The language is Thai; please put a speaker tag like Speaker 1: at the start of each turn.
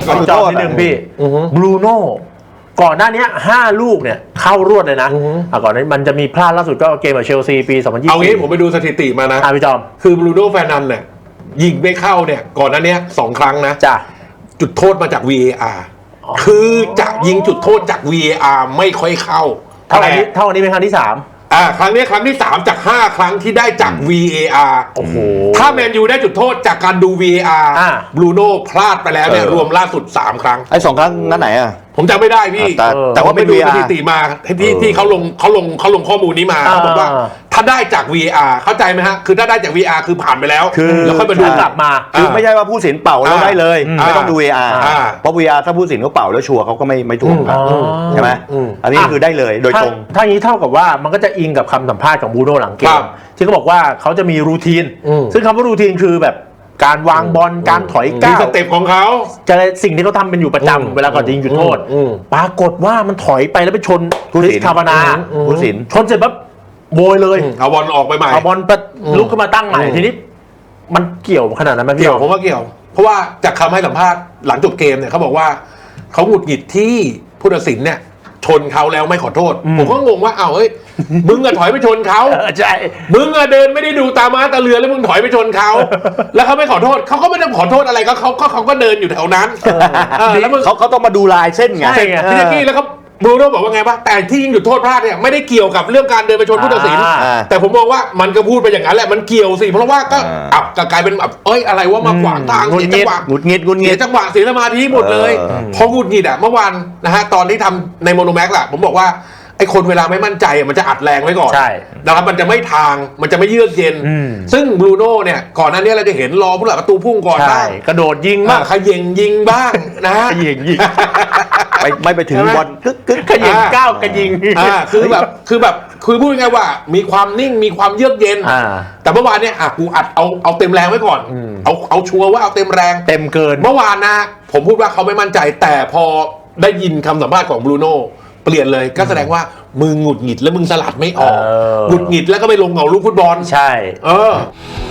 Speaker 1: จอนิดนึงพี่บรูโน่ก่อนหน้านี้5 ลูกเนี่ยเข้ารวดเลยนะก่อนนี้มันจะมีพลาดล่าสุดก็เกมกับเชลซีปี2020
Speaker 2: เอางี้ผมไปดูสถิติมานะ
Speaker 1: พี่จอม
Speaker 2: คือบรูโน่แฟร์นันเนี่ยยิงไม่เข้าเนี่ยก่อนหน้านี้2 ครั้งนะ
Speaker 1: จ้ะ
Speaker 2: จุดโทษมาจาก VAR คือจะยิงจุดโทษจาก VAR ไม่ค่อยเข้า
Speaker 1: เท่านี้เป็นครั้งที่3
Speaker 2: ครั้งนี้ครั้งที่3จาก5 ครั้งที่ได้จาก VAR
Speaker 1: โอ้โห
Speaker 2: ถ้าแมนยูได้จุดโทษจากการดู VAR บรูโน่พลาดไปแล้วเนี่ยรวมล่าสุด3 ครั้ง
Speaker 3: ไอ้2 ครั้งนั้นไหนอ่ะ
Speaker 2: ผมจำไม่ได้พี่
Speaker 3: แต่ว่า
Speaker 2: ไปดูสถิติมาที่เขาลงข้อมูลนี้มาเขาบอกว่าถ้าได้จาก VAR เข้าใจไหมฮะคือถ้าได้จาก VAR คือผ่านไปแล้วแล้วค่อยมาดู
Speaker 1: กลับมา
Speaker 3: คือไม่ใช่ว่าผู้สินเป่าแล้วได้เลยไม่ต้องดู VAR เพราะ VAR ถ้าผู้สินเขาเป่าแล้วชัวร์เขาก็ไม่ถูกใช่ไหมอันนี้คือได้เลยโดยตรง
Speaker 1: ถ้างี้เท่ากับว่ามันก็จะอิงกับคำสัมภาษณ์ของบรูโน่หลังเกมที่เขาบอกว่าเขาจะมีรูทีนซึ่งคำว่ารูทีนคือแบบการวางบอลการถอยก้าว
Speaker 2: สเต็ปของเขา
Speaker 1: จะสิ่งที่เขาทำเป็นอยู่ประจำเวลาก่อนจะยิงจุดโทษปรากฏว่ามันถอยไปแล้วไปชนคริสคาบานา
Speaker 3: ผู้สิน
Speaker 1: ชนเสร็จปั๊บโบยเลย
Speaker 2: เอาบอลออกไปใหม่
Speaker 1: เอาบอลลุกขึ้นมาตั้งใหม่ทีนี้มันเกี่ยวขนาดนั้นไหมพี่
Speaker 2: เกี่ยวผมว่าเกี่ยวเพราะว่าจากคำให้สัมภาษณ์หลังจบเกมเนี่ยเขาบอกว่าเขาหงุดหงิดที่ผู้ตัดสินเนี่ยชนเขาแล้วไม่ขอโทษผมก็งงว่าเฮ้ยมึงอะถอยไปชนเขา
Speaker 1: ใช่
Speaker 2: มึงอะเดินไม่ได้ดูตาม้าตาเรือแล้วมึงถอยไปชนเขาแล้วเขาไม่ขอโทษเขาก็ไม่ต้องขอโทษอะไรเขาก็เดินอยู่แถวนั้น
Speaker 3: แล้วเขาต้องมาดูลายเส้นไง
Speaker 2: พี่นักกี้แล้วเขาบรูโน่บอกว่าไงว่าแต่ที่ยิงจุดโทษพลาดเนี่ยไม่ได้เกี่ยวกับเรื่องการเดินไปชนผู้ตัดสินแต่ผมมองว่ามันก็พูดไปอย่างนั้นแหละมันเกี่ยวสิเพราะว่าก็กลายเป็นแบบอะไรว่ามาขวางทางเสียจังหวะ
Speaker 3: หงุดหงิด
Speaker 2: เสียจังหวะเสียสมาธิหมดเลยพอหงุดหงิดเมื่อวานนะฮะตอนที่ทำในโมโนแม็กซ์ผมบอกว่าไอ้คนเวลาไม่มั่นใจมันจะอัดแรงไว้ก่อนนะครับมันจะไม่ทางมันจะไม่เยือกเย็นซึ่งบรูโน่เนี่ยก่อนหน้านี้เราจะเห็นรอผู้หลักประตูพุ่งก่อนบ้าง
Speaker 1: กระโดดยิงบ้าง
Speaker 2: ขย่งยิงบ้างนะ
Speaker 1: ขย่งยิง
Speaker 3: ไม่ไปถึงบอลกึก
Speaker 1: ขย่งก้าวกระยิง
Speaker 2: คือพูดง่ายๆว่ามีความนิ่งมีความเยือกเย็นแต่เมื่อวานเนี่ยกูอัดเอาเต็มแรงไว้ก่อนเอาชัวร์ว่าเอาเต็มแรง
Speaker 1: เต็มเกิน
Speaker 2: เมื่อวานนะผมพูดว่าเขาไม่มั่นใจแต่พอได้ยินคำสัมภาษณ์ของบรูโน่เปลี่ยนเลยก็แสดงว่ามึงหงุดหงิดแล้วมึงสลัดไม่ออกหงุดหงิดแล้วก็ไปลงเหงาลูกฟุตบอล
Speaker 1: ใช่